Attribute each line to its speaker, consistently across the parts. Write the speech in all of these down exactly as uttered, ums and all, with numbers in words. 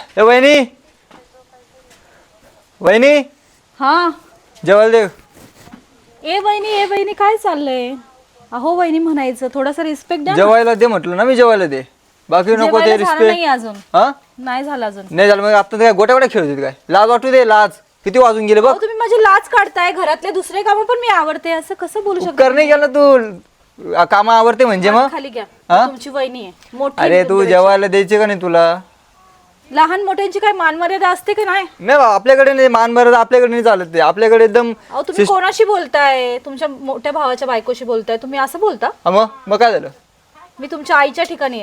Speaker 1: ए वहिनी वहिनी
Speaker 2: हा
Speaker 1: जेवायला दे.
Speaker 2: ए बहिणी ए बहिणी काय चाललंय? अहो वहिनी म्हणायचं, थोडासा रिस्पेक्ट द्या ना.
Speaker 1: जेवायला दे म्हटलं ना मी, जेवायला दे. बाकी नको ते
Speaker 2: जेवायला झालं नाही
Speaker 1: रिस्पेक्ट.
Speaker 2: अजून.
Speaker 1: हा
Speaker 2: नाही झालं अजून.
Speaker 1: नाही झालं मग आता काय गोट्या गोट्या खेळत होती काय? लाज वाटू दे, लाज. किती वाजून गेले बघ.
Speaker 2: अहो, तुम्ही माझी लाज काढताय. घरातले दुसरे काम पण मी आवडते, असं कसं बोलू शकता?
Speaker 1: कर नाही गेला तू, काम आवडते म्हणजे मग.
Speaker 2: खाली घ्या.
Speaker 1: हा?
Speaker 2: तुमची वहिनी आहे मोठी.
Speaker 1: अरे तू जेवायला द्यायची का नाही तुला?
Speaker 2: लहान मोठ्यांची काय मान मर्यादा असते का नाही?
Speaker 1: नाही बा, आपल्याकडे नाही मान मर्यादा, आपल्याकडे नाही चालत ते. आपल्याकडे एकदम.
Speaker 2: अहो तुम्ही कोणाशी बोलताय? तुमच्या मोठ्या भावाच्या बायकोशी बोलताय तुम्ही, असं बोलता?
Speaker 1: हा मग मग काय झालं?
Speaker 2: मी तुमच्या आईच्या ठिकाणी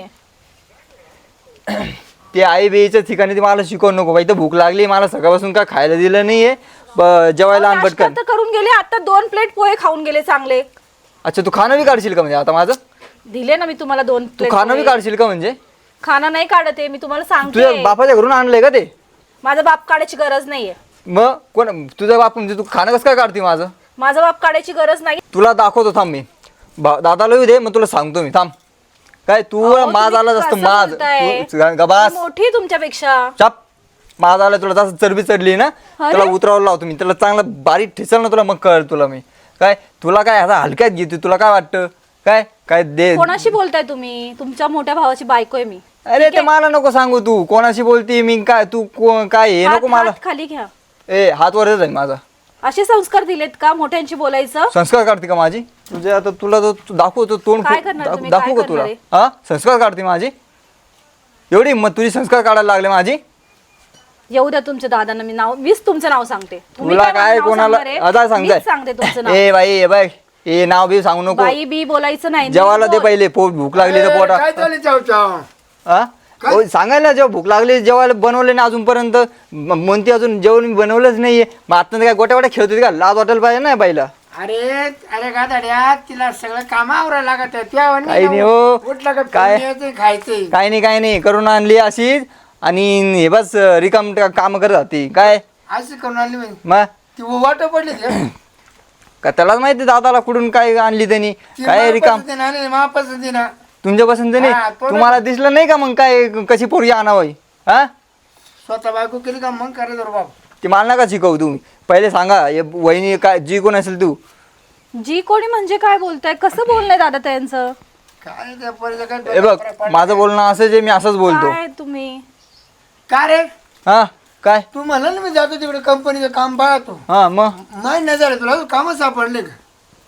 Speaker 2: आहे.
Speaker 1: ते आई बेईच्या ठिकाणी ती मला शिकवू नको बाई. तर भूक लागली मला, सकाळपासून काय खायला दिलं नाहीये. ब- जेवायला आण
Speaker 2: नाश्ता
Speaker 1: पटकन.
Speaker 2: तर करून गेले, आता दोन प्लेट पोहे खाऊन गेले चांगले.
Speaker 1: अच्छा तू खाणं बी काढशील का म्हणजे आता माझं?
Speaker 2: दिले ना मी तुम्हाला दोन
Speaker 1: तू
Speaker 2: प्लेट.
Speaker 1: खाणं बी काढशील का म्हणजे?
Speaker 2: खाना नाही काढत आहे मी, तुम्हाला
Speaker 1: तुझ्या
Speaker 2: सांगते.
Speaker 1: बापाच्या घरून आणलंय का ते?
Speaker 2: माझा बाप काढायची गरज नाहीये.
Speaker 1: मग कोण तुझा बाप म्हणजे? तू खाणं कसं काय काढते माझं?
Speaker 2: माझा बाप काढायची गरज नाही.
Speaker 1: तुला दाखवतो थांब मी. बा- दादाला येऊ दे, मग तुला सांगतो मी. थांब. काय तू
Speaker 2: अहो,
Speaker 1: माझ
Speaker 2: तुम्ही
Speaker 1: आला जास्त
Speaker 2: कसं
Speaker 1: माझ
Speaker 2: बोलताय?
Speaker 1: तू ग- गबास.
Speaker 2: मी मोठी तुमच्यापेक्षा.
Speaker 1: चाप. माझ आला तुला जास्त चरबी चढली ना,
Speaker 2: अरे?
Speaker 1: तुला उतरावं लावतो मी. त्याला चांगला बारीक ठेचल ना तुला, मग कळ तुला मी. काय तुला काय आता हलक्यात घेते? तुला काय वाटतं? काय काय दे.
Speaker 2: कोणाशी बोलताय तुम्ही? तुमच्या मोठ्या भावाची बायको आहे मी.
Speaker 1: अरे ते मला नको सांगू. तू कोणाशी बोलती मी? काय तू को- काय हे
Speaker 2: हात-
Speaker 1: नको मला.
Speaker 2: हात खाली घ्या.
Speaker 1: ए हात वरच आहे माझा.
Speaker 2: असे संस्कार दिलेत का मोठ्यांशी बोलायचं?
Speaker 1: संस्कार काढते का माझी? तुझे आता तुला तो तू दाखवतो तोंड
Speaker 2: काय
Speaker 1: खूप-
Speaker 2: करणार
Speaker 1: दाख-
Speaker 2: तुम्ही?
Speaker 1: दाखवू
Speaker 2: काय
Speaker 1: का तुला?
Speaker 2: करणार
Speaker 1: हा संस्कार काढते माझी? एवढी मग तुझी संस्कार काढायला लागले माझी?
Speaker 2: येऊ द्या तुमच्या दादांना, मी नाव मीच तुमचं नाव सांगते. तुम्ही
Speaker 1: तुला
Speaker 2: काय माझं
Speaker 1: काय
Speaker 2: नाव
Speaker 1: कोणाला
Speaker 2: सांगणार आहे?
Speaker 1: आता सांगताय?
Speaker 2: मीच सांगते तुमचं नाव.
Speaker 1: ए बाई ए बाई ए नाव बी सांगू नको.
Speaker 2: बाई बी बोलायचं नाही.
Speaker 1: जेवायला
Speaker 2: नीट
Speaker 1: दे
Speaker 2: बोल.
Speaker 1: पहिले. पोट भूक लागली तर
Speaker 3: काय
Speaker 1: पोटा.
Speaker 3: चालू चाव चाव
Speaker 1: हा ओ, सांगायला जेव्हा भूक लागली जेवायला बनवले ना अजूनपर्यंत म- म्हणते अजून जेवण मी बनवलंच नाहीये. मग आता काय गोट्या गोट्या खेळत होती का? लाज वाटायला पाहिजे ना बाईला.
Speaker 3: अरे अरे गादाड्या तिला सगळं काम आवरायला लागत आहे. त्या वाणी
Speaker 1: काही नाही
Speaker 3: जाऊ.
Speaker 1: हो.
Speaker 3: उठलं का
Speaker 1: काय?
Speaker 3: खायचं खायचंय.
Speaker 1: काय नाही काय नाही करून आणली अशीच. आणि हे बस रिकाम काम करत होती काय.
Speaker 3: असं करून आली बाई.
Speaker 1: मग
Speaker 3: ती वाट पडली ती.
Speaker 1: का त्यालाच माहिती दादाला कुठून काय आणली त्यांनी.
Speaker 3: ती
Speaker 1: काय रिकाम
Speaker 3: महापसंती ना आणि महापसंती ना.
Speaker 1: तुमच्या पसंत नाही.
Speaker 3: हा, तो
Speaker 1: तुम्हाला दिसलं नाही का मग काय कशी पोरगी आणावं? हा
Speaker 3: स्वतः बायको केली का मग करायचं रे बाप.
Speaker 1: ते मला नका शिकवू तुम्ही. पहिले सांगा हे वहिनी काय जी कोण असेल तू.
Speaker 2: जी कोणी म्हणजे काय बोलताय? कसं बोलणंय दादा त्यांचं?
Speaker 3: काय त्या पोरीचं काय
Speaker 1: हे बघ माझं बोलणं असं जे मी असंच बोलतो.
Speaker 2: काय तुम्ही?
Speaker 3: का रे
Speaker 1: हा काय
Speaker 3: तू म्हणला ना मी जातो तिकडे कंपनीचं काम पाहतो.
Speaker 1: हा मग
Speaker 3: माहीत नाही झालं तुला काम सापडले का?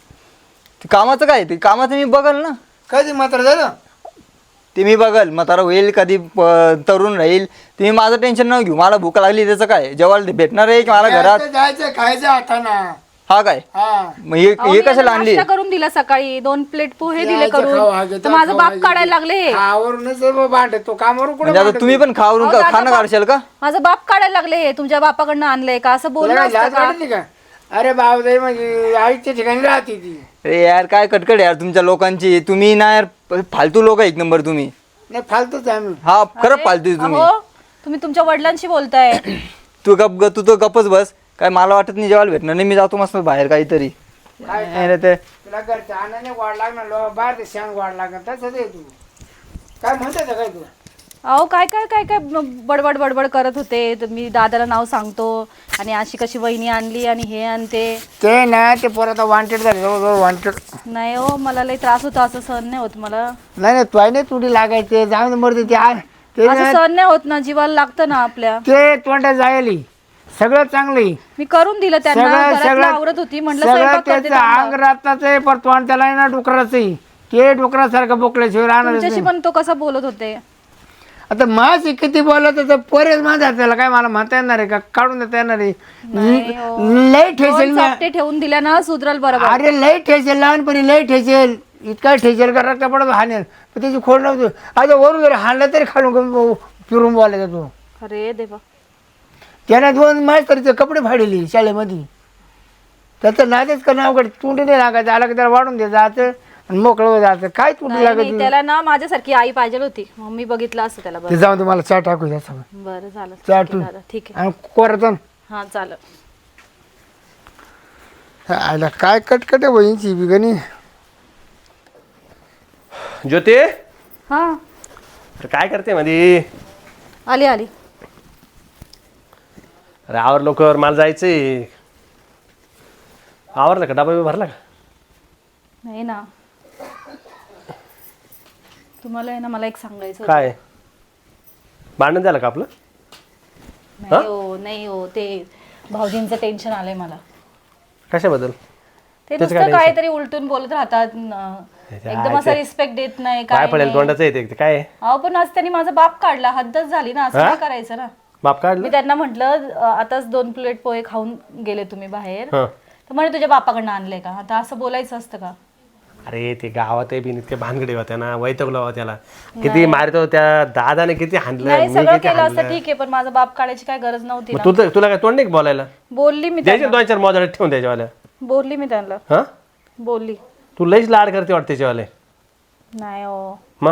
Speaker 1: ते कामाचं काय? ते कामाचं मी बघल ना.
Speaker 3: कधी मात्र झालं.
Speaker 1: ते मी बघल म्हातारा होईल कधी प- तरुण राहील. तुम्ही माझं टेन्शन न घेऊ. मला भूक लागली त्याचं काय? जेवायला ते भेटणार आहे की मला घरात?
Speaker 3: जायचं जायचं, खायचं हाताना.
Speaker 1: हा काय
Speaker 3: हा
Speaker 1: मग हे
Speaker 2: अहो,
Speaker 1: हे
Speaker 2: मी
Speaker 1: कशाला
Speaker 2: यांना
Speaker 1: आणली?
Speaker 2: नाश्ता करून दिला सकाळी, दोन प्लेट पोहे दिले
Speaker 3: यायचं खाऊ, हा
Speaker 2: करून.
Speaker 3: घेतो,
Speaker 2: तर माझं
Speaker 3: खाऊ,
Speaker 2: बाप
Speaker 3: हा
Speaker 2: काढायला लागले.
Speaker 3: आवरूनच भांडत तो कामावरून कुठे
Speaker 1: म्हणजे आता तुम्ही पण खावरून
Speaker 2: अहो,
Speaker 1: का-
Speaker 2: दादा
Speaker 1: खाणं
Speaker 2: बाप-
Speaker 1: काढशाल का?
Speaker 2: माझं बाप काढायला लागले. तुमच्या बापाकडनं आणलंय का? असं बोलणं असतं का?
Speaker 3: का अरे बाबा म्हणजे आईच्या ठिकाणी राहते ती.
Speaker 1: अरे यार काय कटकट यार तुमच्या लोकांची. तुम्ही ना यार फालतू लोक एक नंबर तुम्ही.
Speaker 3: नाही फालतूच आहे आम्ही.
Speaker 1: हा खरं
Speaker 2: अरे,
Speaker 1: फालतू आहे तुम्ही.
Speaker 2: अहो, तुम्ही तुमच्या वडिलांशी बोलताय.
Speaker 1: तू गप ग तू तो गपच बस. काय मला वाटत नाही जेवायला भेटणार नाही. मी जातो मस्त बाहेर काहीतरी.
Speaker 3: काय
Speaker 1: अरे ते
Speaker 3: तुला घरच्या अन्नाने वाढ लागणार लो बाहेर ते शान वाढ लागणार तसंच आहे तू. काय म्हणतात काय तू?
Speaker 2: अहो काय काय काय काय बडबड बडबड करत होते. तर मी दादाला नाव सांगतो आणि अशी कशी वहिनी आणली आणि हे आणते.
Speaker 3: ते ना ते परत वॉन्टेड झाले जवळजवळ वॉन्टेड.
Speaker 2: नाही हो, मला लई त्रास होता. असं सहन नाही होत मला.
Speaker 3: नाही नाही तू नाही तुडी लागायचे जाऊन मरते ते आ- ते
Speaker 2: असं
Speaker 3: ना-
Speaker 2: सहन नाही होत ना, जीवाला लागतं ना आपल्या.
Speaker 3: ते तोंडात जायली सगळं चांगलं आहे.
Speaker 2: मी करून दिलं त्यांना.
Speaker 3: सगळं
Speaker 2: घरातलं
Speaker 3: सगळं
Speaker 2: आवरत होती, म्हटलं
Speaker 3: सगळं
Speaker 2: स्वयंपाक करते
Speaker 3: त्याचं अंग
Speaker 2: थांबा.
Speaker 3: राहताच आहे पण तोंड त्याला आहे ना डुकराचं आहे. ते डुकरासारखं बोकल्याशिवाय राहणार
Speaker 2: तुमच्याशी पण तो कसा बोलत होते.
Speaker 3: आता माझी किती बोलत तर पोरेच माझा त्याला काय मला म्हणता येणार आहे का? काढून देता येणार आहे?
Speaker 2: नाही हो.
Speaker 3: लय ठेसेल
Speaker 2: दोन
Speaker 3: मी.
Speaker 2: चापटे ठेवून दिल्या ना सुधरल बरोबर.
Speaker 3: अरे लय ठेसेल लहानपणी लय ठेसेल. इतका ठेसेल का रक्त पडत हाणेल पण त्याची खोड नव्हती. आता वरून जर हाणलं तरी खालून फिरून बोलायचा तू.
Speaker 2: अरे देवा.
Speaker 3: त्याने दोन मास्तरीचे कपडे फाडले शाळेमध्ये. त्याचं नादेच करणं अवघड. तुंडी नाही लागायचं आला की त्याला वाढून दे जायचं आणि मोकळं जायचं. काय तुंडी
Speaker 2: नाही, नाही,
Speaker 3: लागत
Speaker 2: त्याला ना माझ्यासारखी आई पाहिजे होती. मग मी बघितलं असं त्याला.
Speaker 3: ते
Speaker 2: बरं
Speaker 3: जाऊन तुम्हाला चहा टाकू द्या सगळं
Speaker 2: बरं झालं.
Speaker 3: चहा
Speaker 2: ठीक आहे
Speaker 3: ठेवून
Speaker 2: दादा, ठीक आहे.
Speaker 3: आणि कोरातून
Speaker 2: हा चालेल.
Speaker 3: आयला काय कटकट आहे बहिणीची बिगणी.
Speaker 4: ज्योती
Speaker 2: हा
Speaker 4: अरे काय करते मध्ये?
Speaker 2: आली आली.
Speaker 4: अरे आवर लवकर, मला जायचंय. आवरलं का? डबा भरला का?
Speaker 2: नाही ना, तुम्हाला आहे ना मला एक सांगायचं होतं.
Speaker 4: काय भांडण झालं का आपलं?
Speaker 2: नाही हो, नाही हो, ते भाऊजींचं टेन्शन आलंय मला.
Speaker 4: कशाबद्दल?
Speaker 2: ते
Speaker 4: त्याचं काय
Speaker 2: नुसतं
Speaker 4: tension?
Speaker 2: काहीतरी उलटून बोलत राहतात न- एकदम असं रिस्पेक्ट देत नाही
Speaker 4: काय
Speaker 2: काय
Speaker 4: पडेल
Speaker 2: नाही.
Speaker 4: तोंडाचं येते ते काय?
Speaker 2: अहो पण आज त्यांनी माझा बाप काढला, हद्दच झाली ना, असं
Speaker 4: हा?
Speaker 2: काय करायचं ना.
Speaker 4: बाप काढलं?
Speaker 2: मी त्यांना म्हटलं आताच दोन प्लेट पोहे खाऊन गेले तुम्ही बाहेर,
Speaker 4: हं.
Speaker 2: तर म्हणे तुझ्या बापाकडनं आणले का? आता असं बोलायचं असतं का?
Speaker 4: अरे ते गावात बी इतके भानगडे होत्या ना, वैतगला होता त्याला. किती मारतो त्या दादाने, किती हाणलं,
Speaker 2: नाही
Speaker 4: मी
Speaker 2: सगळं
Speaker 4: किती
Speaker 2: केलं असतं
Speaker 4: हाणलं.
Speaker 2: ठीक आहे, पण माझा बाप काढायची काय गरज नव्हती
Speaker 4: मग
Speaker 2: ना.
Speaker 4: तुला तुला काय तोंड नाही का बोलायला?
Speaker 2: बोलली मी
Speaker 4: द्यायचे
Speaker 2: त्यांना,
Speaker 4: दोन चार मोजाडे ठेवून द्यायच्यावाल्या.
Speaker 2: बोलली मी त्यांना,
Speaker 4: हा
Speaker 2: बोलली.
Speaker 4: तू लईच लाड करते वाटते त्याच्यावाले.
Speaker 2: नाही हो,
Speaker 4: मग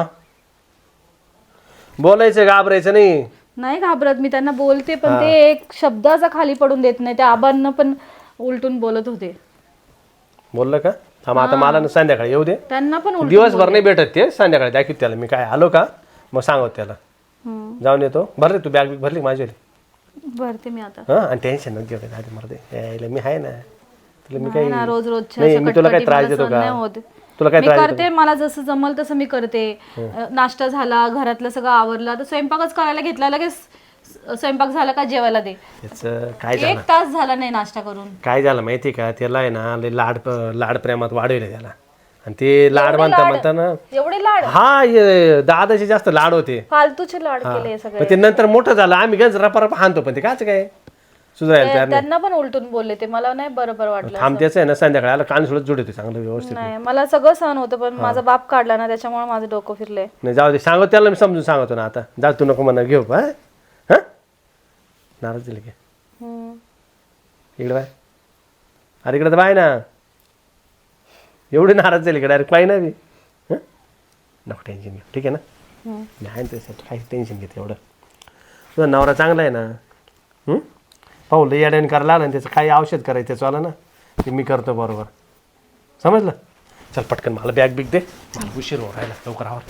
Speaker 4: बोलायचं, घाबरायचं नाही.
Speaker 2: नाही घाबरत मी, त्यांना बोलते, पण ते एक शब्दाचा खाली पडून देत नाही. त्या आबांना पण उलटून बोलत होते.
Speaker 4: बोललं का? हा मग आता मला ना संध्याकाळी येऊ दे.
Speaker 2: त्यांना पण उलटून
Speaker 4: दिवसभर नाही भेटत ते, संध्याकाळी दाखवत त्याला मी काय आलो का, मग सांगत त्याला.
Speaker 2: हम्म.
Speaker 4: जाऊन येतो. भरले तू बॅग बिग भरली माझी?
Speaker 2: भरते मी आता.
Speaker 4: हा, आणि टेन्शन नको घेऊ आधी मरते यायला, मी आहे ना तुला. मी
Speaker 2: नाही
Speaker 4: काही
Speaker 2: ना, रोज रोजच्या
Speaker 4: नाही,
Speaker 2: अशा
Speaker 4: मी तुला काय
Speaker 2: कटकटी
Speaker 4: त्रास
Speaker 2: मला
Speaker 4: देतो
Speaker 2: सहन नाही
Speaker 4: का?
Speaker 2: होत.
Speaker 4: तुला काय
Speaker 2: मी
Speaker 4: त्रास
Speaker 2: करते, मला जसं जमल तसं मी करते. अं, नाश्ता झाला, घरातलं सगळं आवरलं, तर स्वयंपाकच करायला घेतला, लगेच स्वयंपाक झाला का जेवायला दे.
Speaker 4: त्याचं काय झालं?
Speaker 2: एक तास झाला नाही नाश्ता करून.
Speaker 4: काय झालं माहिती का, त्याला आहे ना लय लाड लाड प्रेमात वाढवले त्याला. आणि ते लाड म्हणता म्हणता ना,
Speaker 2: एवढे लाड,
Speaker 4: हा ये दादाचे जास्त लाड होते.
Speaker 2: फालतूचे लाड केले सगळे.
Speaker 4: पण ते नंतर मोठं झालं, आम्ही गंज रपा रपा हाणतो, पण ते काच काय सुधारायला तयार नाही.
Speaker 2: त्यांना पण उलटून बोलले ते, मला नाही बरोबर वाटलं.
Speaker 4: थांब त्याचं आहे ना, संध्याकाळी आला कान सोडत जोडतो चांगलं व्यवस्थित.
Speaker 2: नाही, मला सगळं सहन होतं, पण माझा बाप काढला ना, त्याच्यामुळे माझं डोकं फिरले.
Speaker 4: नाही जाऊ दे, सांगतो त्याला, मी समजून सांगतो ना. आता जा, तू नको म्हणा घेऊ. हा हा नाराज दिले की इकडे बाय. अरे इकडे तर बाय ना, एवढे नाराज झाले का डायरेक्ट पाय ना बी. हं? नको टेन्शन घे, ठीक आहे ना. मी आहे ना त्यासाठी, काही टेन्शन घेते एवढं. तुझा नवरा चांगला आहे ना. हं? पाहू लई अडेन करायला आलं ना, त्याचं काही औषध करायचं त्याचं आलं ना, ते मी करतो बरोबर. समजलं? चल पटकन मला बॅग बिग दे, मला उशीर हो राहिला, लवकर आवर.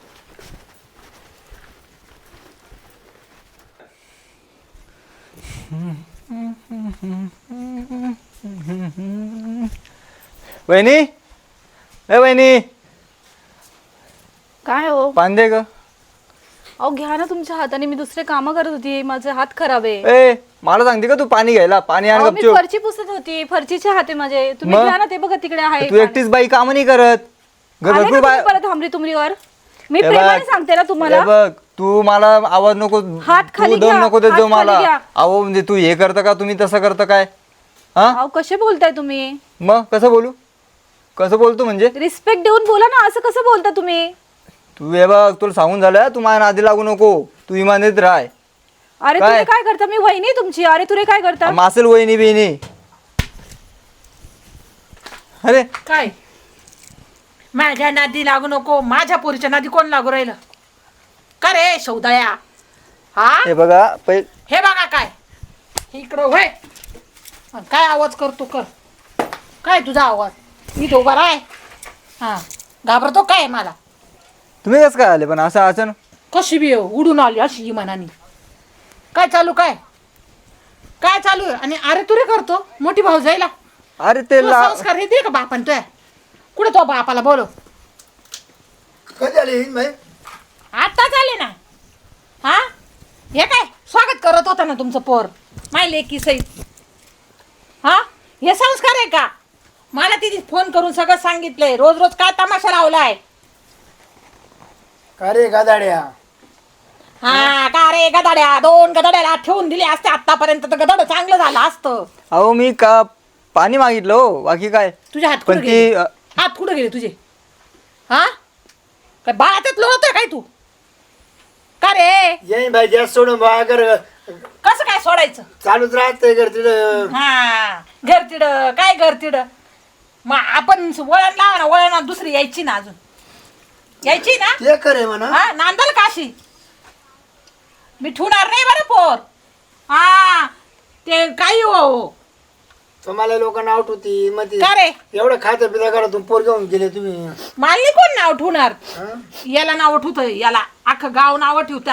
Speaker 1: वहिनी, ए वहिनी,
Speaker 2: काय हो?
Speaker 1: पाणी दे ग.
Speaker 2: अहो घ्या ना तुमच्या हाताने, मी दुसरे कामं करत होती, माझे हात खराब आहे.
Speaker 1: ए मला सांगते का तू पाणी घ्यायला? पाणी आण
Speaker 2: अहो, मी
Speaker 1: गपचूप.
Speaker 2: फरची पुसत होती, फरचीचे हात आहे माझे. तुम्ही
Speaker 1: मग?
Speaker 2: घ्या ना, ते बघा तिकडे आहे.
Speaker 1: तू एकटीच बाई काम नाही करत. घर
Speaker 2: आले का
Speaker 1: भरपूर
Speaker 2: तुम्ही
Speaker 1: बाय-
Speaker 2: परत हमरी तुमरीवर? मी
Speaker 1: हे
Speaker 2: प्रेमाने
Speaker 1: बघ,
Speaker 2: सांगते ना तुम्हाला.
Speaker 1: हे बघ, तू मला आवाज नको,
Speaker 2: हात खाली
Speaker 1: तू दम
Speaker 2: घ्या,
Speaker 1: नको देत
Speaker 2: हात
Speaker 1: जाऊ
Speaker 2: खाली
Speaker 1: मला.
Speaker 2: घ्या.
Speaker 1: अहो म्हणजे तू हे करतं का, तुम्ही तसं करतं काय? हा
Speaker 2: अहो कसे बोलताय तुम्ही?
Speaker 1: मग कसं बोलू? कसं बोलतो म्हणजे?
Speaker 2: रिस्पेक्ट देऊन बोला ना, असं कसं बोलता तुम्ही?
Speaker 1: तू हे बघ, तुला सांगून झालं, तू माझ्या नादी लागू नको. तू इमानीत राह.
Speaker 2: अरे
Speaker 1: काय?
Speaker 2: तुरे काय करता? मी वहिनी आहे तुमची. अरे तुरे काय करता?
Speaker 1: मासेल वहिनी बिहिनी. अरे
Speaker 5: काय माझ्या नादी लागू नको, माझ्या पोरीच्या नादी कोण लागू राहिलं का रे शौदया? हा
Speaker 1: हे बघा पै
Speaker 5: हे बघा काय इकडं होय. अन काय आवाज करतो कर? काय तुझा आवाज? मी तो उभा राय. हा घाबरतो काय मला?
Speaker 1: तुम्ही कसं काय आले पण असं अचानक?
Speaker 5: कशी बी उडून आली अशी मनानी. काय चालू काय काय चालू आहे? आणि अरे तुरे करतो मोठी भाऊ जायला.
Speaker 1: अरे ते
Speaker 5: तुला
Speaker 1: ला
Speaker 5: संस्कार हे दे का बापान तुया? कुठे तो बापाला बोलो.
Speaker 3: कधी आली बाई?
Speaker 5: आता झाले ना. हा हे काय स्वागत करत होता ना तुमचं पोर माय लेकी सहित. हा हे संस्कार आहे का? मला तिथे फोन करून सगळं सांगितलंय. रोज रोज काय तमाशा लावलाय?
Speaker 3: का रे गादाड्या?
Speaker 5: हा का रे गदाड्या? दोन गदाड्याला ठेवून दिले असते आतापर्यंत तर गदड चांगलं झालं असतं.
Speaker 1: अहो मी का पाणी मागितलं हो, बाकी काय.
Speaker 5: तुझे हात
Speaker 1: पण
Speaker 5: कुठे
Speaker 1: ती
Speaker 5: गेले?
Speaker 1: अ,
Speaker 5: हात कुठे गेले तुझे? हा काय बाळातच लोळतोय काय तू? का रे
Speaker 3: येईन भाई जास्त सोडून बा कर
Speaker 5: कसं काय सोडायचं?
Speaker 3: चालूच राहतंय घर तिथं.
Speaker 5: हा घर तिड काय घर तिड मग आपण वळण लावा ना, वळण दुसरी यायची ना, अजून यायची ना.
Speaker 3: ते करे म्हणा.
Speaker 5: हा नांदल काशी मी ठेवणार नाही बरं पोर. हा ते काही हो
Speaker 3: तुम्हाला लोक नाव ठेवती मग ती
Speaker 5: का रे
Speaker 3: एवढं खातं पिता करा तुम्ही पोर घेऊन गेले तुम्ही.
Speaker 5: मालनी कोण नाव ठेवणार?
Speaker 3: हा?
Speaker 5: याला नाव ठेवत, याला अख्खं गाव नाव ठेवता.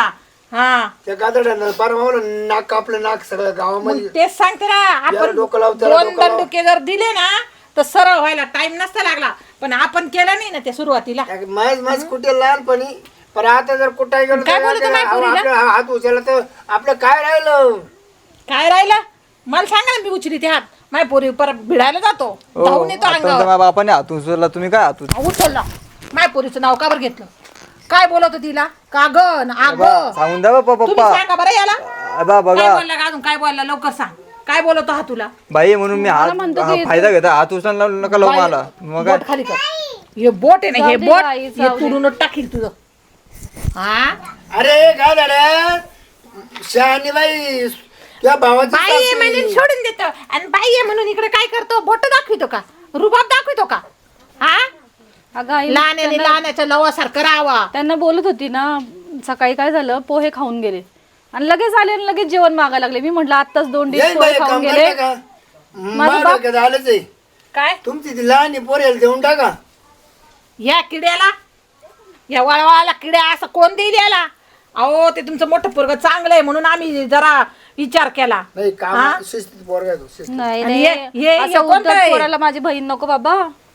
Speaker 5: हा
Speaker 3: त्या गादड्यानं पार मावलं नाक कापलं नाक सगळं
Speaker 5: मग
Speaker 3: गावामध्ये
Speaker 5: तेच सांगते ना
Speaker 3: याला
Speaker 5: आपण
Speaker 3: डोकं लाव, त्याला
Speaker 5: दोन
Speaker 3: डोकं लाव.
Speaker 5: दंडुके जर दिले ना तर सरळ व्हायला टाइम नसता लागला पण आपण केलं नाही ना ते सुरुवातीला
Speaker 3: माझ माझ कुठे लहानपणी पण आता जर कुठे गेलो
Speaker 5: काय
Speaker 3: तर
Speaker 5: बोलतो
Speaker 3: आपल्या-
Speaker 5: माय पोरीला?
Speaker 3: आपल्या हात उचलला तर आपलं काय राहिलं
Speaker 5: काय राहिलं मला सांगा ना मी उचली ते हात माझ्या पोरी परत भिडायला जातो
Speaker 1: हो,
Speaker 5: धावून येतो
Speaker 1: आता
Speaker 5: अंगावर
Speaker 1: माझ्या बापाने हातून उचलला, तुम्ही काय हातून
Speaker 5: अहो, उचलला माझ्या पोरीचं नाव का बरं घेतलं काय बोलत होती तिला कागन आग
Speaker 1: सांगून द्या बाप्पा
Speaker 5: तुम्ही
Speaker 1: पप्पा
Speaker 5: सांगा बरं याला
Speaker 1: आबा
Speaker 5: काय
Speaker 1: बघा
Speaker 5: बोलला का अजून काय बोलला लवकर सांग काय बोलतो हा तुला
Speaker 1: बाई म्हणून मी हात हा, फायदा घेता हात उचलला नका लावू मला मग काय
Speaker 5: बोट खाली कर हे बोट आहे ना हे
Speaker 2: जाऊ दे
Speaker 5: बोट
Speaker 2: बाई,
Speaker 5: हे
Speaker 2: जाऊ दे.
Speaker 5: तुडून टाकील तुझं हा
Speaker 3: अरे काय झालं शहाणी बाई त्या भावाची
Speaker 5: बाई आहे
Speaker 3: सासू
Speaker 5: म्हणून
Speaker 3: आहे.
Speaker 5: सोडून देतो आणि बाई आहे म्हणून इकडे काय करतो बोट दाखवितो का रुबाब दाखवितो का हा
Speaker 2: अगं आई
Speaker 5: लहान्याने लहानाच्या लवासारखं राहावा
Speaker 2: त्यांना बोलत होती ना सकाळी काय झालं पोहे खाऊन गेले आणि लगेच आले आणि लगेच जेवण मागायला लागले मी म्हटलं आत्ताच दोन डिश
Speaker 3: येईन
Speaker 2: पोहे
Speaker 3: बाई,
Speaker 2: खाऊन
Speaker 3: काम
Speaker 2: गेले
Speaker 3: करता का? माझं डोक्यात आलंच आहे
Speaker 5: काय
Speaker 3: तुमची ती लहान पोरेल देऊन टाका
Speaker 5: या किड्याला या वळवाला किड्या असं कोण देईल याला अहो ते तुमचं मोठं पोरग चांगलं आहे म्हणून आम्ही जरा विचार केला
Speaker 3: नाही
Speaker 5: हा?
Speaker 3: काम शिस्तीत पोरगा आहे तो, शिस्तीत.
Speaker 2: नाही
Speaker 5: आणि
Speaker 2: नाही
Speaker 5: हे- हे- हे
Speaker 2: असं
Speaker 5: कोणतं
Speaker 2: उद्धट
Speaker 5: आहे?
Speaker 2: पोराला माझी बहीण नको बाबा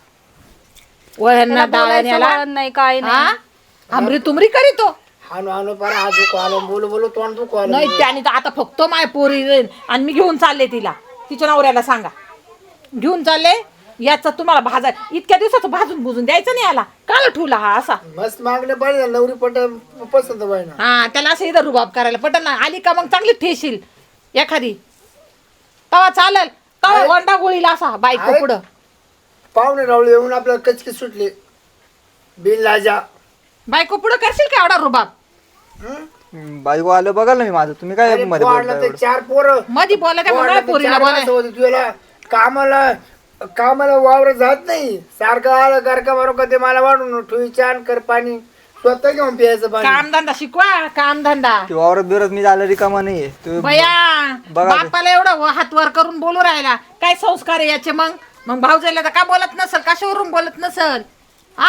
Speaker 5: वळण
Speaker 2: त्याला
Speaker 5: डाळण
Speaker 2: बोलायचं
Speaker 5: याला
Speaker 2: वळण नाही काय नाही
Speaker 5: हा आमरी तुमरी करीतो
Speaker 3: हाणू हाणू पार हात दुखू आलं बोलू बोलू तोंड दुखू आलं
Speaker 5: नाही त्याने तर आता फक्त माय पोरी जाईन आणि मी घेऊन चालले तिला तिच्या नवऱ्याला सांगा घेऊन चालले याचा तुम्हाला भाजा इतक्या दिवसाचं भाजून बुजून द्यायचं नाही याला काल ठेवला हा असा
Speaker 3: मस्त मागले पाहिजे नवरी पट पसंत बाई ना
Speaker 5: हा त्याला असं इथं रुबाब करायला पटन ना आली का मग चांगली ठेशील एखादी तवा चालेल तवा गोंडा गोळीला असा बायको
Speaker 3: आहे.
Speaker 5: पुढं
Speaker 3: पाहुणे रावळे येऊन आपल्याला कचकी सुटले बिन लाजा
Speaker 5: बायको पुढं करशील का एवढा रुबाब
Speaker 3: हं?
Speaker 1: बायको आलं बघाल ना मी माझं तुम्ही काय
Speaker 3: अरे
Speaker 1: मध्ये
Speaker 3: पोरला
Speaker 1: बोलताय
Speaker 3: ते
Speaker 1: एवढं?
Speaker 3: चार पोरं
Speaker 5: मधी बोला त्या
Speaker 3: पोरला
Speaker 5: म्हणा
Speaker 3: ते
Speaker 5: पोरीला
Speaker 3: चार
Speaker 5: बोला
Speaker 3: माणसं होती तुला कामाला कामाला वावर जात नाही सारखं आलं गारका बरोबर ते मला वाढून ठुई छान कर पाणी स्वतः घेऊन प्यायचं पाणी
Speaker 5: कामधंदा शिकवा कामधंदा
Speaker 1: ते वावरत बिवरत मी झालं रिकामा नाहीये तुम्ही
Speaker 5: बया
Speaker 1: बघा ते.
Speaker 5: बापाला एवढं हात वर करून बोलू राहिला काय संस्कार आहे याचे मग मग भाऊजाईला तर का बोलत नसल कशावरून बोलत नसल हा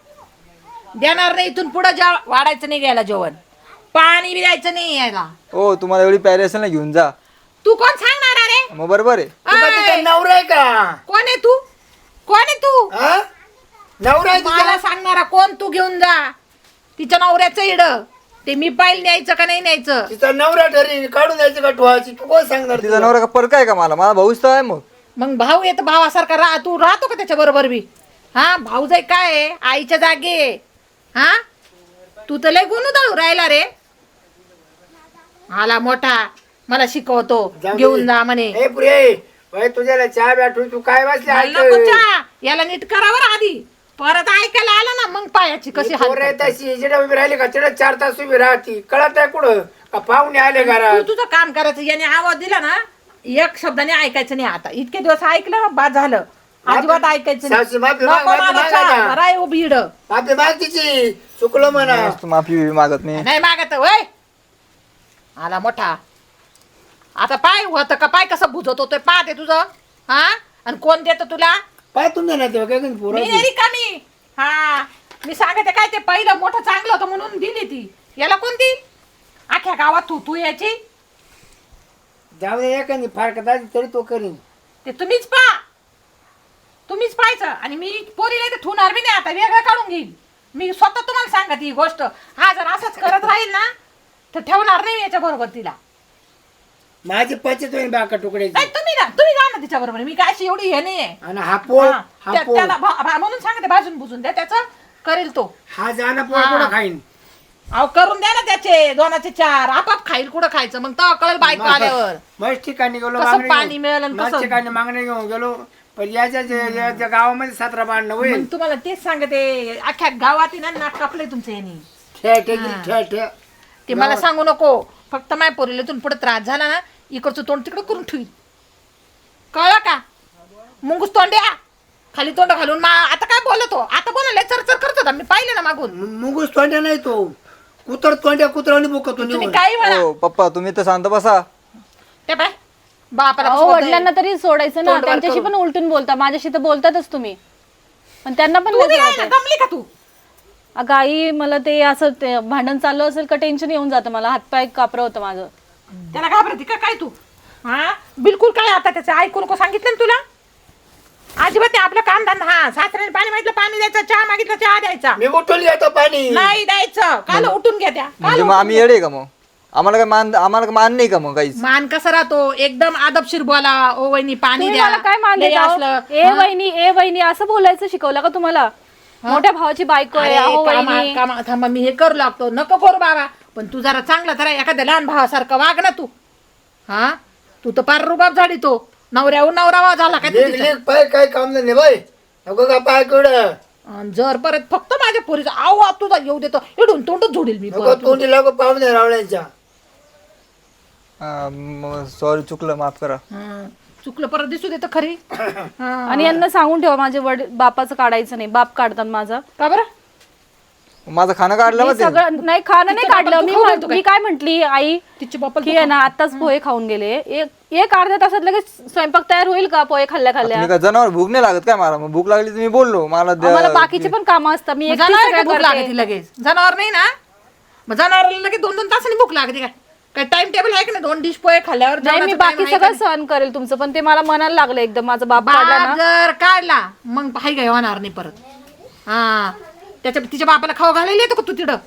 Speaker 5: देणार नाही इथून पुढे जेव वाढायचं नाही घ्यायला जेवण पाणी बी द्यायचं नाही यायला
Speaker 1: हो तुम्हाला एवढी प्यारी असेल ना घेऊन जा
Speaker 5: तू कोण सांगणार अरे
Speaker 1: मग बरोबर आहे
Speaker 3: तुला तिचा
Speaker 5: अय,
Speaker 3: नवरा आहे का
Speaker 5: कोण आहे तू कोण आहे तू
Speaker 3: हा? नवरा आहे तिचा?
Speaker 5: मला सांगणारा कोण तू घेऊन जा तिच्या नवऱ्याचं इड ते मी पाहिल न्यायचं का नाही न्यायचं
Speaker 3: तिचा नवरा ठरी काढून द्यायची का ठेवायची तू कोण सांगणार
Speaker 1: तिचा
Speaker 3: तिला?
Speaker 1: नवरा का परक आहे का मला माझा भाऊच तर आहे मग
Speaker 5: मग भाऊ येत भावासारखा राह तू राहतो का त्याच्या बरोबर बी हा भाऊ जाई काय आहे? आईच्या जागे आहे. हा तू तर लय गुणू राहिला रे आला मोठा मला शिकवतो
Speaker 3: जाऊ दे.
Speaker 5: घेऊन जा म्हणे
Speaker 3: ए पुरे बाई तुझ्याला चहा बॅठू तू काय बसले
Speaker 5: मला नको चहा. याला नीट करावर आधी परत ऐकायला आला ना मग पायाची कशी हाल
Speaker 3: पोरं तशी जिडे उभी राहिली का तिकडे चार तास उभी राहती कळत आहे कुठं का पाहुणे आले
Speaker 5: तू
Speaker 3: घरात
Speaker 5: तुझं काम करायचं याने आवाज दिला ना एक शब्दाने ऐकायचं नाही आता इतके दिवस ऐकलं ना बाद झालं अजिबात ऐकायचं नाही.
Speaker 3: सासू माफी माग,
Speaker 5: नको
Speaker 3: माफी
Speaker 5: मला
Speaker 3: मागा
Speaker 5: चहा.
Speaker 3: ना.
Speaker 5: राय उभी इड.
Speaker 3: माफी माग तिची चुकलं म्हणा
Speaker 1: मस्त माफी बिफी मागत नाही
Speaker 5: नाही मागत वय आला मोठा आता पाय होत का पाय कसं बुजत होतोय पाहते तुझं हा आणि कोण देत तुला
Speaker 3: पाय तुमच्या ना तेव्हा काय कधी पोरं
Speaker 5: मी नाही रिकामी हा मी सांगते काय ते पहिलं मोठं चांगलं होतं म्हणून दिली ती याला कोणती अख्ख्या गावात तू तू याची
Speaker 3: जाऊ दे एखादी फारकत आली तरी तो करीन
Speaker 5: ते तुम्हीच पा तुम्हीच पाहायचं आणि मी पोरीला इथे ठेवणार बी नाही आता वेगळं काढून घेईन मी स्वतः तुम्हाला सांगत ही गोष्ट हा जर असंच करत राहील ना तर ठेवणार नाही याच्या बरोबर तिला
Speaker 3: माझी पचत होईल बाका तुकड्याची
Speaker 5: नाही तुम्ही ना तुम्ही जा ना तिच्या बरोबर मी काय अशी एवढी हे नाहीये
Speaker 3: आणि हा पोळ
Speaker 5: हा,
Speaker 3: हा
Speaker 5: त्या-
Speaker 3: पोळ
Speaker 5: त्याला भा- भा- म्हणून सांगते भाजून बुजून द्या त्याचं करेल तो
Speaker 3: हा जाणं पोळ
Speaker 5: हा.
Speaker 3: कुठं खाईन
Speaker 5: अहो करून द्या ना त्याचे दोनाचे चार आपाप खाईल कुठं खायचं मग तेव्हा कळेल बायको आल्यावर
Speaker 3: मस्त ठिकाणी गेलो
Speaker 5: कसं
Speaker 3: मागणी
Speaker 5: पाणी
Speaker 3: घेऊन.
Speaker 5: मिळेल आणि
Speaker 3: मस्त
Speaker 5: कसं-
Speaker 3: ठिकाणी मागणी घेऊन गेलो पण याच्या जे- याच्या गावामध्ये सतरा बांधणं होईल
Speaker 5: मग तुम्हाला तेच सांगते अख्ख्या गावात आहे ना नाक कापले तुमचे यांनी
Speaker 3: ठे ठे ठे ठे
Speaker 5: ते मला सांगू नको फक्त माय पोरीला इथून पुढे त्रास झाला ना इकडचं तोंड तिकडं करून ठेवी कळलं का मुंगूस तोंड्या खाली तोंड घालून मा आता काय बोलतो आता बोलायला चरचर करत होता मी पाहिलं ना मागून
Speaker 3: मुंगूस तोंड्या नाही तो कुतर तोंड्या कुत्राने बोकतो
Speaker 5: तुम्ही
Speaker 3: निवड
Speaker 5: काही म्हणा
Speaker 1: हो पप्पा तुम्ही तर शांत बसा
Speaker 5: ते पाय बापाला
Speaker 2: अहो
Speaker 5: कसं होतंय?
Speaker 2: वडिलांना तरी सोडायचं ना
Speaker 5: तोंड वर
Speaker 2: त्यांच्याशी
Speaker 5: करून.
Speaker 2: पण उलटून बोलता माझ्याशी तर बोलतातच तुम्ही पण त्यांना पण
Speaker 5: तू
Speaker 2: लय
Speaker 5: बी
Speaker 2: जमत
Speaker 5: आहे ना,
Speaker 2: आहे.
Speaker 5: दमली का तू
Speaker 2: अगं आई मला ते असं ते भांडण चाललं असेल का टेन्शन येऊन जातं मला, हातपाय कापरं होतं माझं.
Speaker 5: त्याला घाबरती का काय तू? हा बिलकुल काय आता त्याचं ऐकू नको सांगितलं ना तुला. अजिबात नाही आपलं काम धंदा. हा सासऱ्याने पाणी मागितलं पाणी द्यायचं, चहा मागितलं चहा द्यायचा.
Speaker 3: मी उठून घेतो पाणी.
Speaker 5: नाही द्यायचं. काल उठून घ्या त्या.
Speaker 1: म्हणजे मग आम्ही येडे का मग? आम्हाला काय मान आम्हाला काय मान नाही का मग काहीच?
Speaker 5: मान कसा राहतो एकदम आदबशीर बोला. ओ वहिनी पाणी
Speaker 2: तुम्ही
Speaker 5: द्या.
Speaker 2: मला काय मान
Speaker 5: लय
Speaker 2: देता हो?
Speaker 5: असलं.
Speaker 2: ए वहिनी ए वहिनी असं बोलायचं शिकवलं का तुम्हाला? मोठ्या भावाची बायको आहे.
Speaker 5: अरे,
Speaker 2: अहो
Speaker 5: कामा-
Speaker 2: वहिनी.
Speaker 5: कामा- थांबा मी हे करू लागतो. नको करू बाबा. पण तू जरा चांगला जरा एखाद्या लहान भावासारखं वाग ना तू. हा तू तर पार रुबाब झाली तो. नवऱ्याहून नवरावा झाला काय
Speaker 3: लेक लेक पाय काय काम नाही बाई. नको का पाय कुड
Speaker 5: अन जर परत फक्त माझ्या पोरीचा आव तुझा येऊ देतो इडून तोंडच झोडील मी
Speaker 3: नको
Speaker 5: परत.
Speaker 3: तोंडी लागो पाहुणे रावळ्यांच्या.
Speaker 1: सॉरी चुकलं, माफ करा.
Speaker 5: हं. चुकलं परत दिसू देतं खरी. हं.
Speaker 2: आणि यांना सांगून ठेवा माझे वडील बापाचं काढायचं नाही, बाप काढतात माझा.
Speaker 5: का बरं
Speaker 1: माझं खाणं काढलं
Speaker 2: मी
Speaker 1: मग ते.
Speaker 2: सगळं नाही खाणं नाही
Speaker 5: तिच्या
Speaker 2: काढलं.
Speaker 5: बापाला
Speaker 2: मी
Speaker 5: तू खाऊ
Speaker 2: म्हण-
Speaker 5: घालतो
Speaker 2: मी काय म्हंटली आई
Speaker 5: तिच्या बापाला
Speaker 2: की आहे ना आताच पोहे खाऊन गेले, एक एक अर्ध्या तासात लगेच स्वयंपाक तयार होईल का पोहे खाल्ल्या खाल्ल्या?
Speaker 1: तुम्ही काय जनावर भूक नाही लागत काय मला? मग भूक लागली तर मी बोललो मला द्या.
Speaker 2: मला बाकीचे पण कामं असतात, मी एकटी
Speaker 5: जनावर
Speaker 2: सगळं
Speaker 5: भूक
Speaker 2: करते.
Speaker 5: लागते लगेच. जनावर नाही ना मग जनावराला लगेच दोन दोन तासांनी भूक लागते काय? काय टाइम टेबल आहे की नाही? दोन डिश पोहे खाल्ल्यावर
Speaker 2: नाही मी
Speaker 5: जेवणाचा
Speaker 2: बाकी
Speaker 5: time आहे
Speaker 2: सगळं
Speaker 5: का
Speaker 2: सहन करेल तुमचं, पण ते मला मनाला लागलं एकदम. माझा बाप
Speaker 5: नाही?
Speaker 2: काढला
Speaker 5: बाप
Speaker 2: ना,
Speaker 5: जर काढला मग हाय काय होणार नाही परत. हा त्याच्या तिच्या बापाला खाऊ घालायला येतो का तू तिकडं?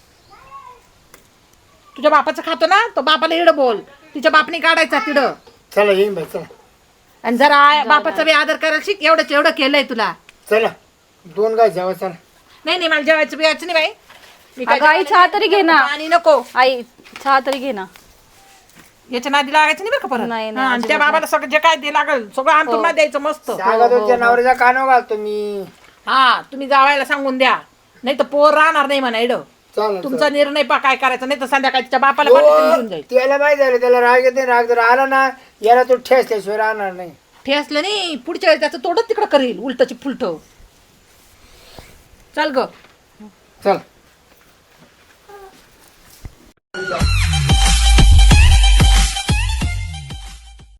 Speaker 5: तुझ्या बापाचं खातो ना तो बापाला इडं बोल. तिच्या बापने काढायचा तिडं.
Speaker 3: चला येईन बाई चला.
Speaker 5: आणि जरा आय- बापाचा बी आदर करायला शिक. एवढंच एवढं केलंय तुला.
Speaker 3: चला दोन गाय जेवा चला.
Speaker 5: नाही नाही मला जेवायचं बिवायचं नाही बाई. मी काय
Speaker 2: अगं आई चहा तरी घे ना.
Speaker 5: आणि नको
Speaker 2: आई चहा तरी घे ना.
Speaker 5: याच्या नादी लागायचं नाही बरं का परत.
Speaker 2: नाही, नाही,
Speaker 5: हा, आणि त्या बाबाला सगळं जे काय ते लागल सगळं आणून ना द्यायचं मस्त.
Speaker 3: सांगा तुमच्या नवऱ्याचा कानावर घालतो मी.
Speaker 5: हा तुम्ही जावायला सांगून द्या. नाही तर पोर राहणार नाही म्हणा एड.
Speaker 3: चला
Speaker 5: तुमचा निर्णय पा काय करायचा. नाही तर संध्याकाळी तिच्या बापाला पाठवून घेऊन जाईल.
Speaker 3: त्याला माहिती झालं त्याला राग येते. राग जर आला ना याला तो ठेस त्याशिवाय राहणार नाही.
Speaker 5: ठेसलं नाही पुढच्या वेळेस त्याचं तोडच तिकडं करेल उलटची फुलट. चल ग
Speaker 3: चल